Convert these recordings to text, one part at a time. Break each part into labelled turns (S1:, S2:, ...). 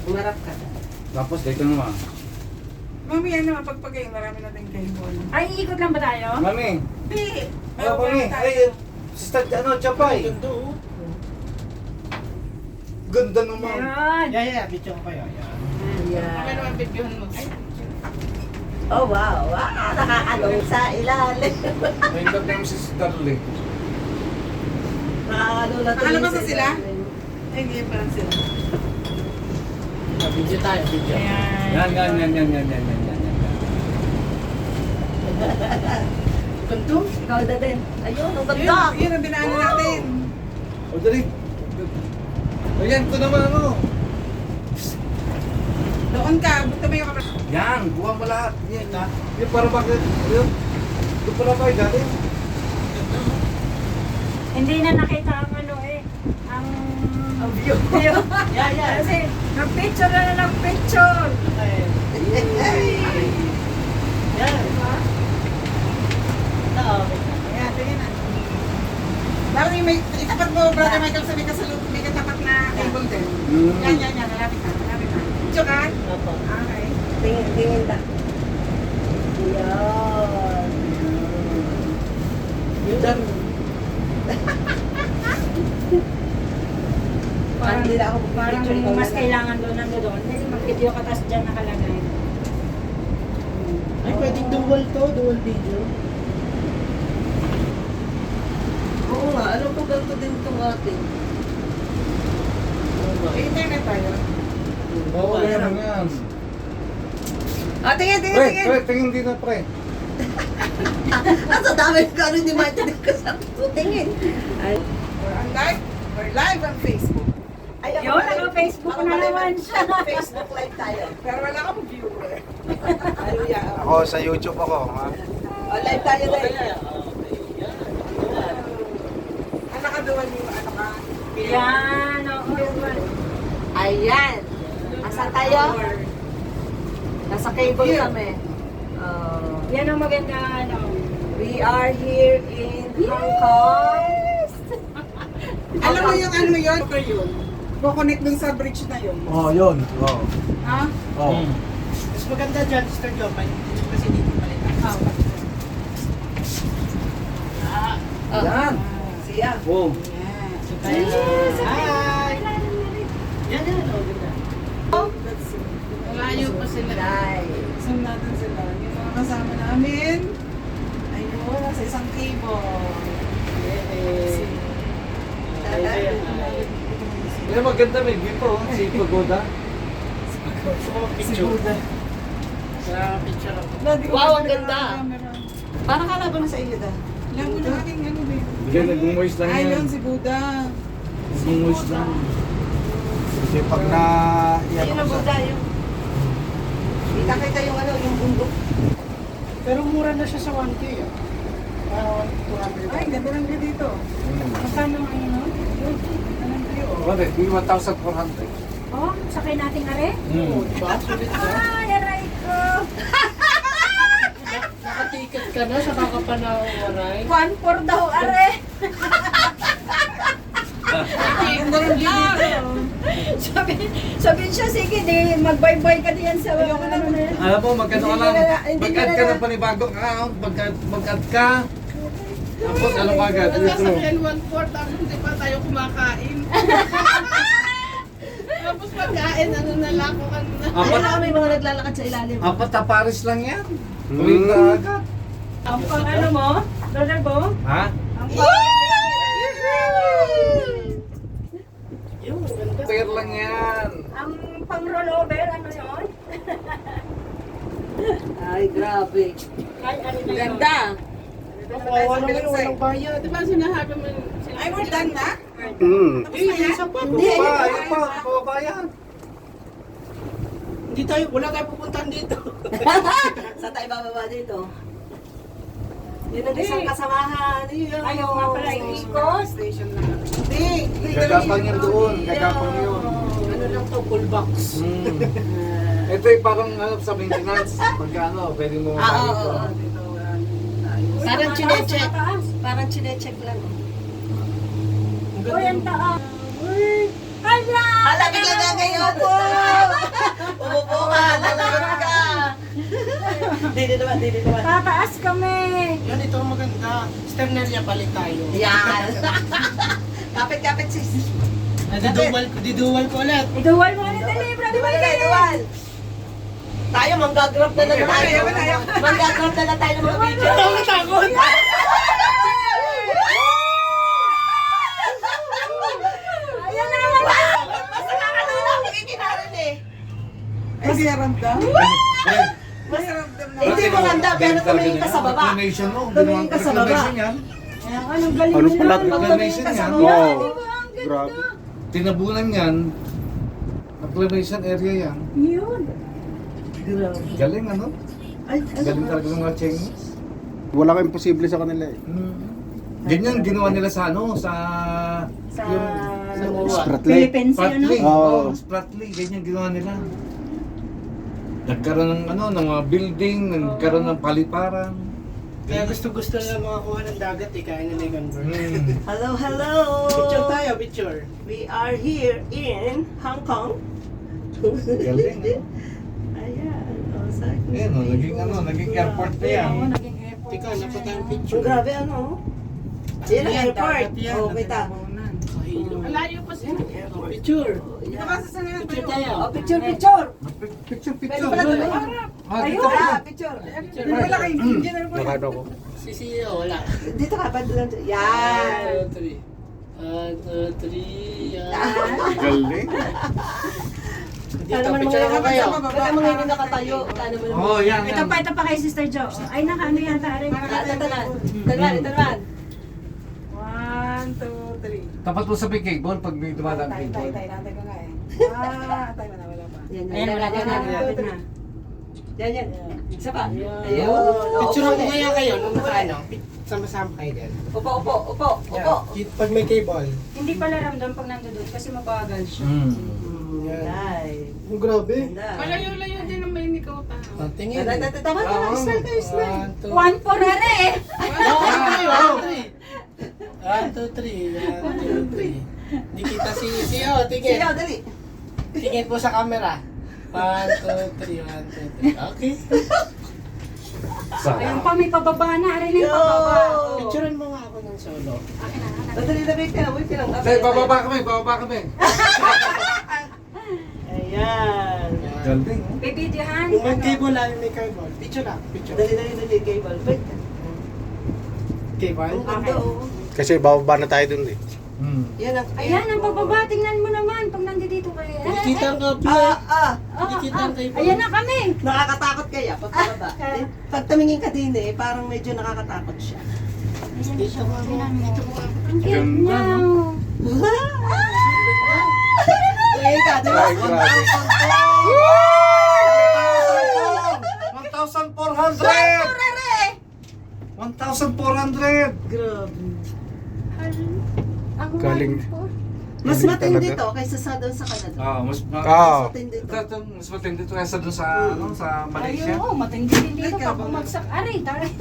S1: Umarap ka.
S2: Tapos dito naman.
S3: Mami, ano, mapagpagay, marami natin cable.
S4: Ay, iikot lang ba tayo?
S2: Mami!
S3: Hindi.
S2: Ano mami? Ay, sister, ano, Chapay? Ganda naman.
S4: Yan.
S1: Yeah, bityo ko kayo.
S3: Kami naman videohan mo.
S5: Oh, wow. Wow, nakakalong sa ilalim.
S2: May love na yung si Darley.
S5: Nakakalong na
S3: Nakalabas na sila? Ay, hindi pa lang sila.
S1: Video tayo, video.
S4: Ayan.
S2: Yan.
S1: Ganto?
S5: Ikaw na din. Ayun, ang
S3: Yun,
S5: ganda.
S3: yun ang dinaanan natin.
S2: O, dali. Ayan, ito naman ano.
S3: Doon ka, buta mo yung kapatid.
S2: Yan, buha mo lahat. Yan, ha? Yung para bakit, yun. Ito pala ba, galing?
S4: Hindi na nakita ang ano eh. Ang
S5: view.
S4: view.
S1: Yeah.
S4: Kasi nag-picture na nag-picture.
S1: Yan.
S3: Ayan, tingin na. Bakit may itapat mo, Brother Michael, sa may katapat na cable din. Yan, malapit na. Diyo ka?
S1: Opo.
S3: Okay.
S5: Tingin ta. Yan.
S1: Yun.
S4: Parang,
S5: Hindi na ako
S4: parang
S5: picture ikaw
S4: mas
S5: na.
S4: kailangan doon nandoon. Kasi mag-video ka tapos dyan nakalagay.
S1: Ay, pwedeng dual to, dual video.
S5: Oo nga, ano po ganito din itong ating?
S3: May internet tayo.
S2: Oo, yan.
S5: Ah, tingin.
S2: Pre, tingin dito, pre.
S5: Ang sa dami ko, ano hindi maintindihan ko sa tingin. Ay,
S3: We're live on Facebook.
S5: ay,
S4: Yun, naka-Facebook na naman siya.
S5: Facebook live tayo.
S3: Pero wala akong viewer. Hallelujah.
S2: Ako, sa YouTube ako, ha?
S5: Oh, live tayo din.
S3: Ang nakaduwan yung ano ka.
S4: Yan, oo.
S5: Ayan. Asa tayo? Nasa cable kami.
S4: Yan ang maganda ano.
S5: We are here in Hong Kong.
S3: Alam mo yung ano yun? Okay yun. Kukonect dun sa bridge na yun.
S2: Oh, yun. Oh.
S3: Ha?
S2: Oh.
S1: Mas maganda dyan, Sister Jopan. Kasi dito palitan.
S2: Yan.
S5: Siya.
S2: Oh.
S3: Yeah.
S1: Hi! Yan. Oh, ganda.
S3: Let's see.
S1: Malayo pa sila.
S5: Nice.
S3: Zoom natin sila. Yung mga kasama namin. Ayun, sa isang cable.
S2: Yan, maganda, may view po. Si Pagoda.
S1: Picture. Sa picture ako.
S5: Wow, ang ganda. Parang kalaban na sa iyo da.
S3: Labo na aking ano ba yun?
S2: Bigyan, nag-moist lang
S3: Ay,
S2: yan.
S3: yun si Buddha.
S2: Nag-moist lang. Kasi pag na...
S5: Ayun ang Buddha yung. Kita yung ano, yung bundok.
S1: Pero mura na siya sa 1K. Parang 200.
S3: Ay, ganda lang din dito.
S4: Magkano ang ano?
S3: Anong view?
S2: Wala, 1,400.
S4: Oh, sakay nating are?
S1: Diba? Sulit na.
S4: Ay, aray ko.
S1: Nakaticket ka na sa kakapanawaray.
S4: 1-4 daw are.
S3: Ganda lang din dito.
S4: Sabi siya, sige, di, mag-bye-bye ka diyan sa
S3: Ayoko na
S4: ano na yan.
S2: Alam mo, magkano ka lang.
S5: Hindi
S2: Mag-add
S5: na-
S2: ka ng panibagong account. Mag-add ka. Tapos ano ka agad?
S6: Sasakyan 1/4 tapos hindi pa tayo kumakain. Tapos pagkain, ano na lang kung ano na.
S5: Ayun ako may mga naglalakad sa ilalim.
S2: Apat na Paris lang yan. Tuloy ka agad.
S4: Ang pang ano mo, Brother Bo?
S2: Ha?
S4: Ang pang...
S1: Yung ganda.
S2: Fair lang yan.
S4: Ang pang rollover, ano yun?
S5: Ay, grabe.
S4: Ay, ano na yun?
S5: Ganda.
S1: Kawawa naman walang bayad.
S6: Di ba sinahabi mo
S3: Ay, we're done na?
S1: Isa pa.
S5: Hindi,
S2: Ayun pa, kababayan.
S1: Hindi tayo, wala tayo pupuntahan dito.
S5: Sa tayo bababa dito. Yun ang isang kasamahan. Yun.
S4: Ayaw nga pala ikot.
S3: Station na. Hindi.
S2: Gagapang yan doon. Gagapang yun.
S1: Ano lang to, full box.
S2: Ito yung parang ano, sa maintenance. Pagka ano, pwede mo
S5: Ah, oo,
S2: makakita.
S5: oo.
S3: Dito,
S5: Parang chinecheck.
S4: Mataas.
S5: Parang chinecheck lang.
S1: Ang
S4: Uy,
S1: ganda.
S4: ang taas. Uy, hala!
S5: Hala, bigla na ngayon. Dili naman, dili naman.
S4: Tataas kami.
S1: Yan, ito ang maganda. Sternelia palit tayo.
S5: Yan. Kapit-kapit sis.
S1: Diduwal ko ulit.
S4: Iduwal mo ulit dali, brother
S5: Duwal na,
S4: Michael.
S5: duwal. Tayo, manggagrab na lang tayo. Manggagrab na lang tayo ng mga video.
S1: Takot!
S4: Ayan na naman.
S5: Basta kakatulog, kikinarin eh.
S3: Kasi ramdam.
S5: Mas hindi maganda, pero tumingin ka sa baba.
S2: Reclamation mo.
S5: Tumingin ka sa baba.
S2: Reclamation yan.
S4: Ayan, anong galing
S7: Ano
S4: mo
S7: pala?
S4: lang.
S5: Pag tumingin ka sa
S2: Yan.
S5: baba.
S7: Oo.
S4: Di ba? Ang ganda.
S7: Grabe.
S2: Tinabunan yan. Reclamation area yan.
S4: Yun.
S2: Galing ano?
S5: Ay,
S2: Galing talaga ng mga Chinese.
S7: Wala kang imposible sa kanila eh.
S2: Ganyan ginawa nila sa ano, sa
S4: Sa
S7: Spratly.
S4: Philippines yun, no?
S2: Spratly.
S7: Oo.
S2: Spratly, ganyan ginawa nila. Nagkaroon ng ano, ng mga building, nagkaroon ng paliparan.
S1: Kaya gusto nila makakuha ng dagat eh, kaya nila i-convert.
S5: Hello, hello.
S1: Picture tayo, picture.
S5: We are here in Hong Kong.
S2: Galing, ano?
S5: Ayan. Oh, sa akin.
S2: Ayan, oh, naging airport na yan.
S4: Oo, naging airport.
S1: Teka, napo tayong
S5: Ang
S1: picture.
S5: grabe ano. Yan ang
S1: Yan,
S5: airport.
S1: dagat yan.
S5: Oh, kita.
S1: Kahilo.
S6: Malayo pa siya.
S1: Picture.
S3: Picture
S1: tayo.
S5: Oh, picture, picture.
S2: Picture,
S5: Pwede
S2: picture.
S5: pala tuloy.
S2: Ah,
S5: Ayun.
S2: dito.
S5: Ah, picture.
S3: Wala kayo.
S7: Nakano ko.
S1: Si CEO, wala.
S5: Dito ka, bad lang. Yan.
S1: 1, 2, 3. 1, 2, 3. Yan.
S7: Galing.
S1: Dito, picture ako kayo.
S5: Baka mga hindi nakatayo. Kano mo naman.
S2: Oh, yan,
S4: Ito
S2: yan.
S4: pa, ito pa kay Sister Jo. Ay, naka, ano yata rin.
S5: Tatanan. Tatanan.
S3: 1, 2, 3.
S2: Tapat mo sa big cable pag may dumadaan
S3: Tay,
S2: cable.
S3: nantay ko nga eh. Tay mo na, wala pa.
S5: Yan,
S4: Ayan, wala ka na. Lapit na.
S5: Yan, yan. Isa pa.
S1: Ayun.
S5: Ayun.
S1: Picture ko kaya kayo nung ano, sama-sama kayo din.
S5: Upo, upo, upo, upo.
S1: Pag may cable.
S4: Hindi pala ramdam pag nandun kasi mabagal siya.
S1: Yan.
S5: Ay.
S1: Oh, grabe.
S5: Ganda.
S6: Malayo-layo din ang may nikaw ta.
S1: Tingin.
S5: Tama, tama. Smile kayo, smile.
S1: 1, 2, 3.
S4: One for rare eh.
S1: 1, 2, 3. 1, 2, 3. Hindi kita si CEO, tingin.
S5: Sige, dali.
S1: Tingin po sa camera. 1, 2, 3. 1, 2, 3. Okay.
S4: Ayun pa, may pababa na. Aray na yung pababa.
S5: Yo!
S1: Picturean mo nga ako ng solo.
S5: Dali na, wait ka na, wait ka lang.
S2: Say, bababa kami.
S5: Ayan.
S2: Galing, oh.
S4: Bibidyohan.
S1: Kung may cable lang, may cable. Picture lang, picture.
S5: Dali, dali, dali, cable. Wait.
S1: Cable?
S5: Ang ganda, oh.
S7: Kasi bababa na tayo dun eh.
S5: Yan ang
S4: Ayan, ang pababa. Tingnan mo naman pag nandito kayo.
S1: Nakikita ang cable. Nakikita ang cable.
S4: Ayan na kami.
S5: Nakakatakot kaya pag pababa. Pag tumingin ka din eh, parang medyo nakakatakot siya.
S1: Dito mo. Dito mo.
S4: Ang cute niya.
S5: Tumingin ka, di ba?
S7: Ay, grabe.
S2: 1,400! 1,400!
S5: Grabe.
S4: Ako
S7: Galing.
S4: po.
S5: Mas
S7: Galing
S5: matindi
S7: talaga.
S5: to kaysa sa doon sa Canada.
S2: Mas
S7: Ah.
S5: Matindi to.
S2: mas matindi to kaysa doon sa, ano, sa Malaysia.
S4: Ayun, matindi din dito pag bumagsak. Aray, taray.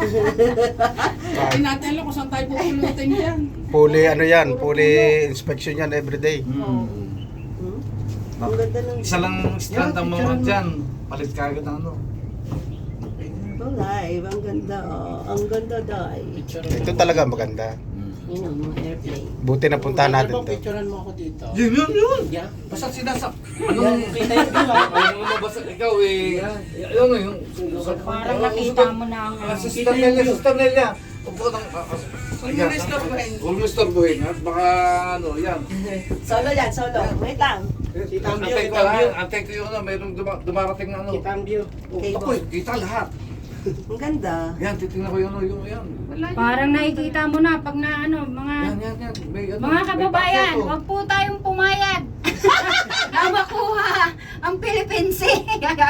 S6: Ay natin alam kung saan tayo pupulutin yan.
S7: Fully ano yan, fully inspection yan everyday.
S5: Hmm? Ang ganda ng...
S2: Isa lang strand ang mga dyan. Palit ka agad ng ano.
S5: Oh, live. Ang ganda, oh. Ang ganda, dai.
S1: Picture
S7: Ito talaga maganda.
S5: Yun ang mga airplane.
S7: Buti na puntahan natin to.
S1: Picturean mo ako dito.
S2: Yun!
S1: Yeah.
S2: Basta sinasap. Anong
S1: Kita yung view ah.
S2: Ano mo basta ikaw eh. Ano yung...
S4: Parang nakita mo na ang...
S2: Sister Nelia. Upo ng...
S6: Huwag mo istorbohin.
S2: Huwag mo istorbohin. At baka ano, yan.
S5: Solo yan, solo. Wait lang.
S1: Kita ang view,
S2: Antay
S1: kita
S2: ko
S1: ang
S2: lang.
S1: view.
S2: Antay ko yung ano, mayroong dumarating na ano.
S1: Kita ang view.
S2: Ako eh, kita lahat.
S5: Ang ganda.
S2: Yan, titingnan ko yung ano, yung yan.
S4: Parang nakikita mo na pag na ano, mga...
S2: Yan. May, ano,
S4: Mga kababayan,
S2: may
S4: huwag po tayong pumayag. Na makuha ang Philippine Sea.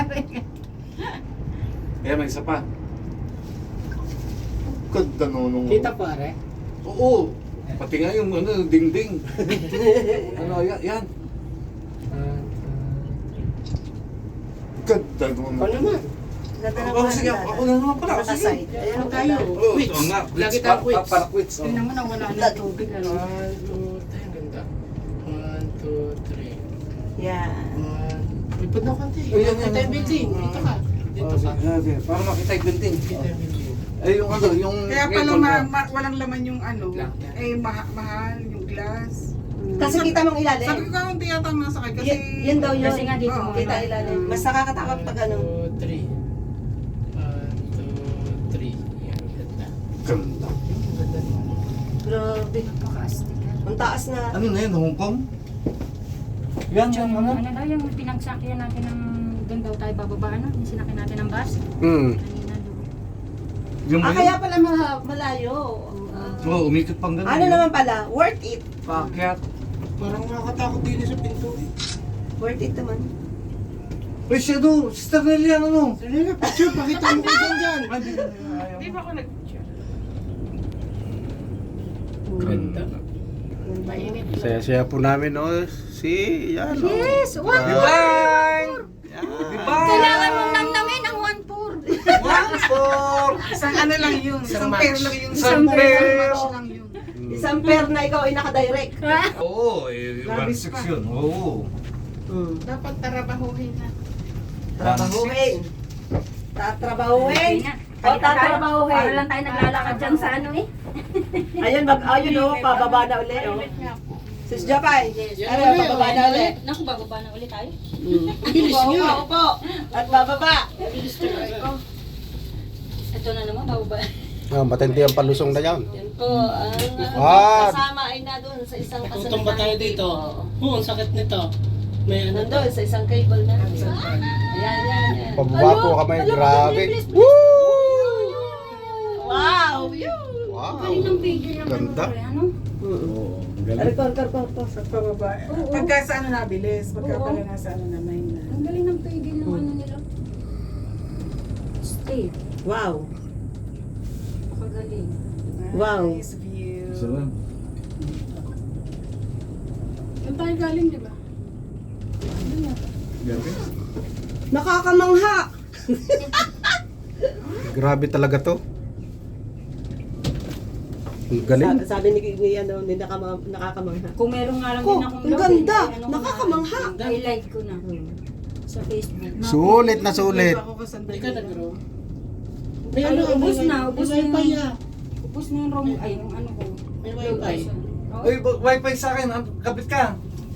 S2: Ayan, may isa pa. Ganda nung...
S1: Kita pare.
S2: Oo. Pati nga yung ano, dingding. Ano, yan. Ganda nung...
S1: Ako naman.
S5: Ganda ng
S2: Ako, sige,
S5: mga
S2: ako na naman pala. Sige.
S5: Nakaside. Ayan ang
S1: tayo.
S5: ganda.
S2: Oo,
S1: Quits.
S2: oo nga.
S1: Lagi
S2: Quits,
S1: tayong quits.
S2: para quits. oh.
S4: Tingnan mo na wala na tubig. Ano?
S1: 1, 2, tayo ang ganda. 1, 2, 3.
S5: Yan.
S1: Lipad na konti.
S2: Ayan,
S1: Ito yung building. Dito ka.
S6: dito sa...
S2: Para makita yung building.
S1: Kita yung video.
S2: Ay, yung ano, yung...
S3: Kaya pala
S2: cable na.
S3: walang laman yung ano, mahal yung glass.
S5: Kasi kita mong ilalim.
S3: Sabi ko kaunti yata ang nasakay kasi...
S5: Yun daw yun.
S4: Kasi nga dito,
S3: Oo,
S5: Kita ilalim. Mas nakakatakot pag ano.
S1: 1, 2, 3. 1, 2, 3. Yan, ganda.
S2: Ganda.
S1: Ganda naman.
S5: Grabe.
S4: Napaka-astig.
S5: Ang taas na.
S2: Ano na yun, Hong Kong? Yan, yung ano?
S4: Ano daw yung pinagsakyan natin ng doon daw tayo bababa, ano? Yung sinakyan natin ng bus.
S7: Hmm.
S4: Kanina doon.
S2: Yung
S5: Kaya pala malayo.
S2: Oo, umikot pang ganun.
S5: Ano naman pala? Worth it.
S2: Pakyat.
S1: Parang nakakatakot din sa pinto eh.
S5: Worth it naman.
S2: Uy, siya do, Sister Nelly, ano?
S1: Ano nga, picture, pakita mo ko dyan.
S3: Di ba ako nag-picture?
S1: Ganda. Mainit.
S7: Saya-saya po namin, no? Si, yan, no?
S4: Yes! One
S2: Divine!
S4: Kailangan mong namnamin ang 1-4.
S3: Isang ano lang yun, isang
S1: match.
S3: pair lang yun.
S2: Isang pair.
S3: match lang yun.
S5: Isang pair na ikaw ay nakadirect.
S2: Oo, eh,
S3: Labis
S2: 1.6
S3: pa.
S2: yun. Oo.
S3: Dapat tarabahuhin na.
S5: Trabahuhin. Tatrabahuhin. O tatrabahuhin.
S4: Para lang tayo naglalakad dyan sa ano eh.
S5: Ayun, ayun o, pababa na uli. Oh. Sis Japay, ano, pababa na uli.
S4: Naku, bababa na ulit tayo.
S1: Bilis niya.
S5: Upo. At bababa.
S4: Ito na naman, bababa.
S7: Ah, matindi ang palusong na yan.
S5: Yan po, ang
S7: Ah.
S5: kasama ay na doon sa isang
S1: Tutong ba tayo dito? Oo, ang sakit nito. May ano
S5: Nandun sa isang cable na. Ayan.
S7: Pababa po kami, grabe.
S5: Wow!
S7: Wow.
S4: Galing ng video ng
S7: Ganda.
S4: ano.
S2: Oo, ang galing.
S3: Sa pababa. Pagka sa ano nabilis, pagka
S4: Oo.
S3: pala nasa ano na may na.
S4: Ang galing ng pigil ng ano nila. Stay.
S5: Wow!
S4: Pagaling.
S5: Wow.
S3: Nice view.
S2: Isa lang.
S6: Saan tayo galing, di ba?
S2: Galing.
S5: Nakakamangha!
S7: Grabe talaga to. Ang galing.
S5: Sabi ni ano, ni nakakamangha.
S4: Kung meron nga lang
S5: Ko,
S4: din akong
S5: ang
S4: love,
S5: ganda.
S4: eh, ano ko
S5: Nakakamangha.
S4: na, I-live ko na sa Facebook.
S7: Sulit na sulit.
S3: Ako kasanda
S1: Hindi ka nag-room?
S4: Ay, ubus na
S1: Ubus
S4: yung
S1: wifi niya.
S4: ubus na yung room, ay yung ano ko.
S1: May wifi.
S2: Uy, wifi sa akin, kapit ka.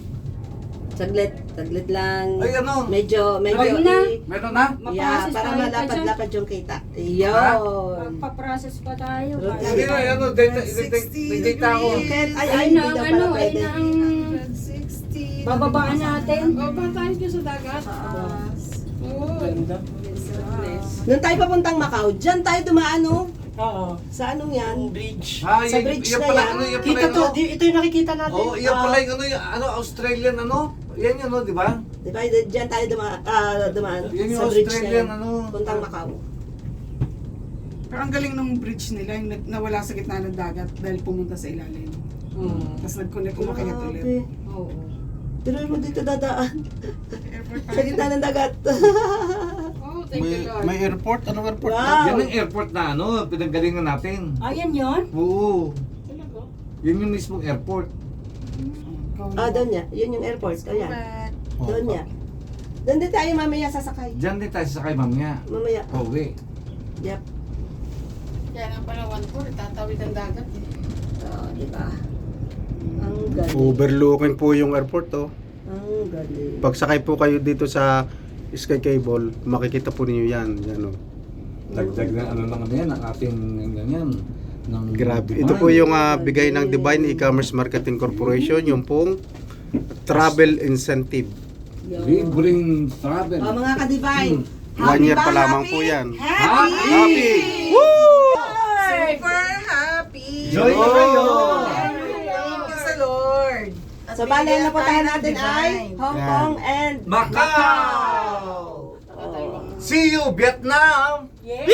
S5: Saglit lang.
S2: Ay, ano?
S5: Medyo,
S4: Ayun na.
S2: Meron na?
S5: Yeah,
S4: Maprocess
S5: para
S4: tayo pa dyan.
S5: malapad-lapad yung kita. Yun.
S4: Magpa-process pa tayo.
S5: Routine.
S2: Hindi na, ano, data ako.
S5: Ay,
S4: Ay
S5: hindi
S4: na ang
S5: daw
S4: ano,
S5: pala
S4: ay
S5: pwede.
S4: na ang
S3: 160.
S4: bababaan natin.
S6: Baba tayo dyan sa dagat. Oo.
S1: Ganda.
S5: Nung tayo papuntang Macau, dyan tayo dumaan, no?
S1: Oo.
S5: Sa anong yan?
S1: Ang bridge.
S2: Ah,
S5: Sa
S2: yung-
S5: bridge
S2: yung
S5: na
S2: pala,
S5: yan.
S2: ano, yung pala
S1: Kita
S2: yung
S1: to,
S2: ano?
S1: ito yung nakikita natin.
S2: Oo, yan pala yung ano, Australian ano? Yan yun, no, di ba?
S5: Di ba? Dyan tayo dumaan
S2: Yan yung
S5: sa bridge na
S2: Australian,
S5: yan.
S2: ano?
S5: Puntang Macau.
S3: Pero ang galing ng bridge nila, yung nawala sa gitna ng dagat dahil pumunta sa ilalim. Tapos nag-connect, umakyat ulit.
S5: Grabe.
S4: Oo.
S5: Pero mo dito dadaan.
S3: Airport
S5: Sa gitna ng dagat.
S6: Oh, thank you, Lord.
S7: May airport? Anong airport?
S5: Wow.
S2: Yan ang airport na ano, pinanggalingan natin.
S4: Ayan yun.
S2: Oo. Yun yung mismong airport.
S5: Doon niya. Yun yung airport. O yan.
S7: Oh,
S5: Doon niya. Doon din tayo mamaya sasakay.
S2: Diyan din tayo sakay mamaya.
S5: Mamaya.
S2: Pauwi.
S5: Yep.
S6: Kaya nga pala 1-4, tatawid ang dagat eh.
S5: Di ba? Ang galing.
S7: Overlooking po yung airport, oh.
S5: Ang galing.
S7: Pagsakay po kayo dito sa Sky Cable, makikita po ninyo yan. Yan, oh.
S2: Dagdag na ano naman yan, ang ating ganyan. Ng
S7: Grabe. Ito po yung bigay ng Divine E-Commerce Marketing Corporation, yung pong travel incentive.
S2: Libreng travel.
S5: Mga ka-divine.
S7: 1 year
S5: ba?
S7: pa lamang
S5: Happy?
S7: po yan.
S2: Happy!
S3: Super happy!
S2: Joy na kayo!
S3: Thank you sa Lord! At
S5: So, bale na po tayo
S3: bigyan
S5: natin
S3: ng
S5: ay
S3: divine.
S5: Hong Kong and
S2: Macau! See you, Vietnam!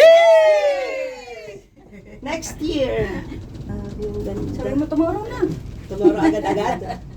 S5: next year. Yung
S4: Sabi
S5: ganda.
S4: mo tomorrow na.
S5: Tomorrow agad-agad.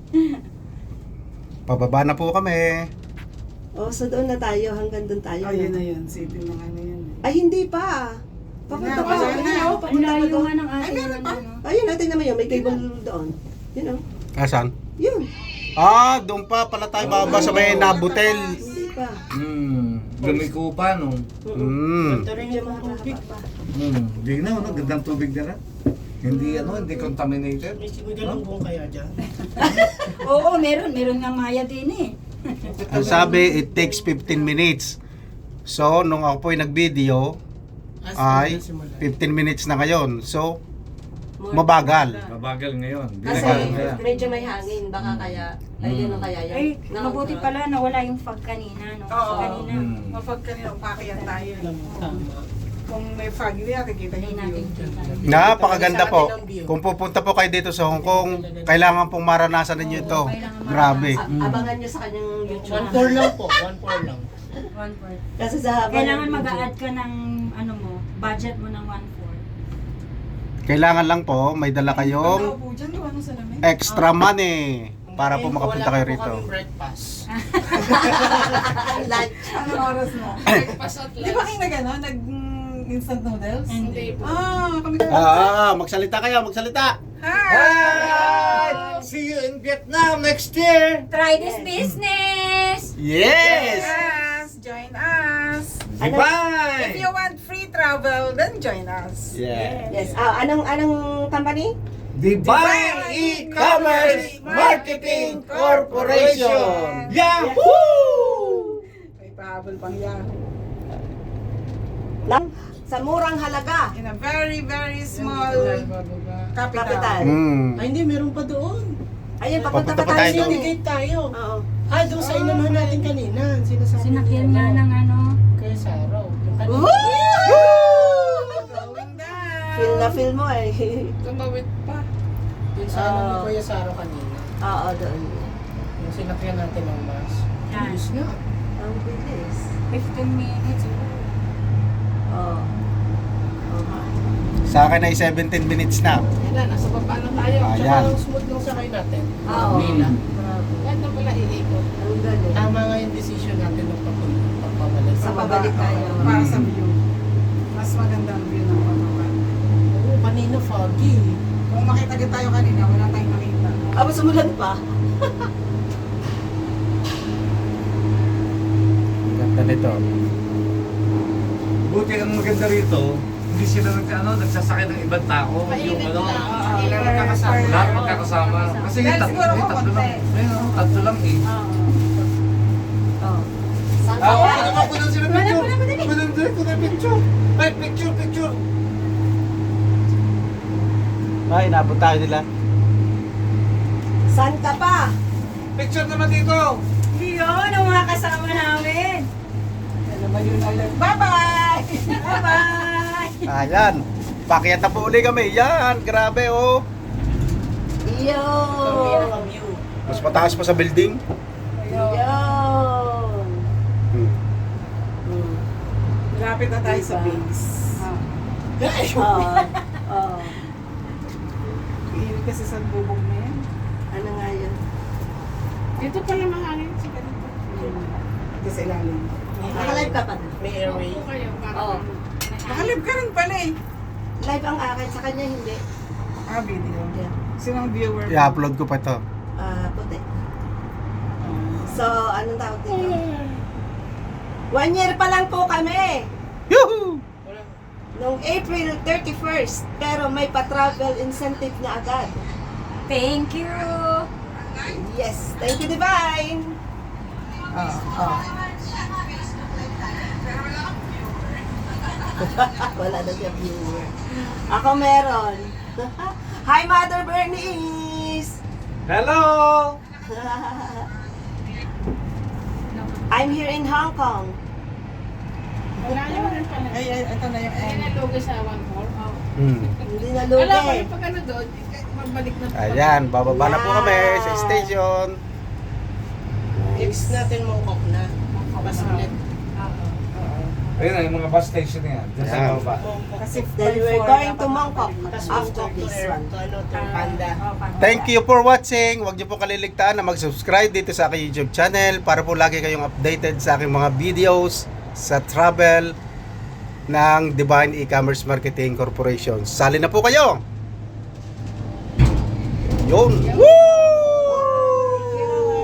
S7: Pababa na po kami.
S5: Oh, so doon na tayo. Hanggang doon tayo.
S3: Oh, yun
S5: no?
S3: na yun. City ng ano yun.
S5: Ay, hindi pa. Papunta
S3: Wala,
S5: pa.
S3: wala
S5: Ayun,
S3: na.
S5: oh,
S4: Ang
S5: papunta pa
S4: layo
S5: doon.
S4: nga ng ating ano.
S5: Ayun, natin naman yun. May cable doon. Yun oh.
S7: Asan?
S5: Yun.
S7: Ah, doon pa pala tayo bababa sa may Nabutel.
S5: Hindi pa.
S2: Lumikupa, no?
S7: Mm.
S1: Ganda rin yung tubig.
S2: Hindi na, no? Gandang tubig na rin. Hindi, hindi contaminated.
S1: May galunggong kaya dyan.
S4: Oo, meron nga maya din eh.
S7: Ang sabi, it takes 15 minutes. So, nung ako po'y nag-video, ay 15 minutes na ngayon. So, mabagal.
S2: Mabagal ngayon.
S5: Kasi
S2: Mabagal.
S5: medyo may hangin, baka kaya, ay yun kaya yan.
S4: Ay, mabuti pala nawala yung fog kanina, no?
S3: Oo.
S4: Kanina.
S3: Mapag kanina, umakyat tayo.
S1: Tama.
S3: Kung may fog, hindi nakikita
S4: Hindi
S3: yung
S4: natin
S3: view.
S4: kita.
S7: Napakaganda po. Kung pupunta po kayo dito sa Hong Kong, kailangan pong maranasan ninyo ito. Grabe.
S5: Abangan nyo sa kanyang YouTube.
S1: 1-4 lang po. 1-4 lang.
S4: 1/4.
S5: Kasi sa habang
S4: Kailangan
S5: ng
S4: mag-a-add ka ng ano mo, budget mo ng 1/4.
S7: Kailangan lang po, may dala kayong
S3: Nakaupo dyan, gawa nung salamin.
S7: extra money para po makapunta kayo rito.
S1: Wala po kaming breakfast.
S5: lunch.
S3: Anong oras na?
S6: Breakfast at
S3: Di ba
S6: lunch.
S3: kayo nag instant noodles?
S6: Hindi po.
S3: Kami
S7: Magsalita kayo, magsalita.
S2: Hi! See you in Vietnam next year!
S4: Try this business!
S7: Yes!
S3: Yes! Join us! If
S2: Bye!
S3: you want free travel, then join us.
S5: Yes. Anong company?
S2: Divine E-Commerce Marketing Corporation! Yahoo!
S3: May pahabol pang yan.
S5: Lang sa murang halaga.
S3: In a very, very small capital.
S5: Kapital.
S1: Ay, hindi. Meron pa doon.
S5: Ayun, papunta
S7: Papunta
S5: pa
S7: pa
S5: tayo.
S7: tayo doon.
S1: Sinigate tayo.
S5: Oo.
S1: Ah, doon sa inunahan natin kanina. Sinasabi
S4: Sinakyan
S1: niya,
S4: nga ng ano.
S1: Kaya Saraw. Yung kanina.
S3: Going down.
S5: Feel na feel mo eh.
S6: Tumawid pa.
S1: Yung sa ano ni Kuya Saraw kanina.
S5: Oo, doon.
S1: Yung sinakyan natin ng bus.
S4: Yan.
S1: Bilis nga.
S5: Ang bilis.
S4: 15 minutes.
S5: Oo.
S7: Sa akin ay 17 minutes na.
S6: Yan na, nasa baba na tayo.
S7: Ayan.
S1: Tsaka ang smooth ng sakay natin.
S5: Oo.
S1: Mila.
S6: Yan na pala iikot.
S5: Ang galing.
S1: Tama nga yung decision natin ng pagpabalik.
S5: Sa pabalik tayo.
S3: Para sa view. Mas maganda ang view ng pababa.
S1: Oo, kanina foggy.
S3: Kung makita din tayo kanina, wala tayong makita.
S5: Mas umulan pa.
S7: Ganda nito.
S2: Buti ang maganda rito, hindi sila nagsasakay ng ibang tao. Yung
S1: Ilan nakakasama.
S2: lahat magkakasama. Kasi yung
S3: Dahil siguro
S2: yung tatlo
S3: kumunti.
S2: lang. Ayun, tatlo lang eh.
S5: Oo. Saan
S2: Ah,
S5: kaya?
S2: ano ba kunan sila picture? Kunan sila picture. Ay, picture.
S7: Ay, inabot tayo nila.
S5: Saan ka pa?
S2: Picture naman dito.
S4: Yun, ang mga kasama namin.
S3: Yan naman yun ulit. Bye-bye!
S4: Bye-bye!
S7: Ayan. Pakyat na po uli kami. Yan, grabe oh.
S5: Iyo.
S7: Mas mataas pa sa building.
S5: Yun.
S3: Lapit na tayo sa base.
S5: Oo. Oo.
S3: Iinit kasi sa bubog na yan.
S5: Ano nga yun?
S6: Dito pala mahangin sa ganito.
S3: Dito sa ilalim.
S5: Nakalive ka pa na?
S1: May airway.
S6: Opo kayo para
S5: Oo.
S3: Nakalib ka rin pala eh.
S5: Live ang akin, sa kanya hindi.
S3: Video.
S5: Yeah.
S3: Sinong viewer?
S7: I-upload ko pa ito.
S5: Puti. So, anong tawag dito? 1 year pa lang po kami.
S7: Yuhu!
S5: Noong April 31st. Pero may pa-travel incentive na agad.
S4: Thank you!
S5: Yes. Thank you, Divine. Wala na siya viewer. Ako meron. Hi, Mother Bernice!
S2: Hello!
S5: I'm here in Hong Kong.
S6: Wala nyo rin pala.
S3: Ay, ito na yung
S6: Hindi
S3: end.
S6: nalugi sa 1/4.
S5: Hindi
S6: Wala ko
S5: nalugi.
S6: yung pag ano doon, magbalik na po.
S7: Ayan, bababa na po kami sa station.
S1: Next natin Mongkok na. Bus ulit.
S2: Ayun na, yung mga bus station na yan. Diyan sa
S7: Ayan.
S2: baba.
S3: Kasi
S5: Then we're
S3: before,
S5: going
S3: dapat
S5: to Mongkok
S1: Tapos
S5: after
S1: Mongkok
S5: this
S1: to
S5: one.
S1: Panda.
S7: Thank you for watching. Huwag niyo po kaliligtaan na mag-subscribe dito sa aking YouTube channel para po lagi kayong updated sa aking mga videos sa travel ng Divine E-Commerce Marketing Corporation. Sali na po kayo! Yun!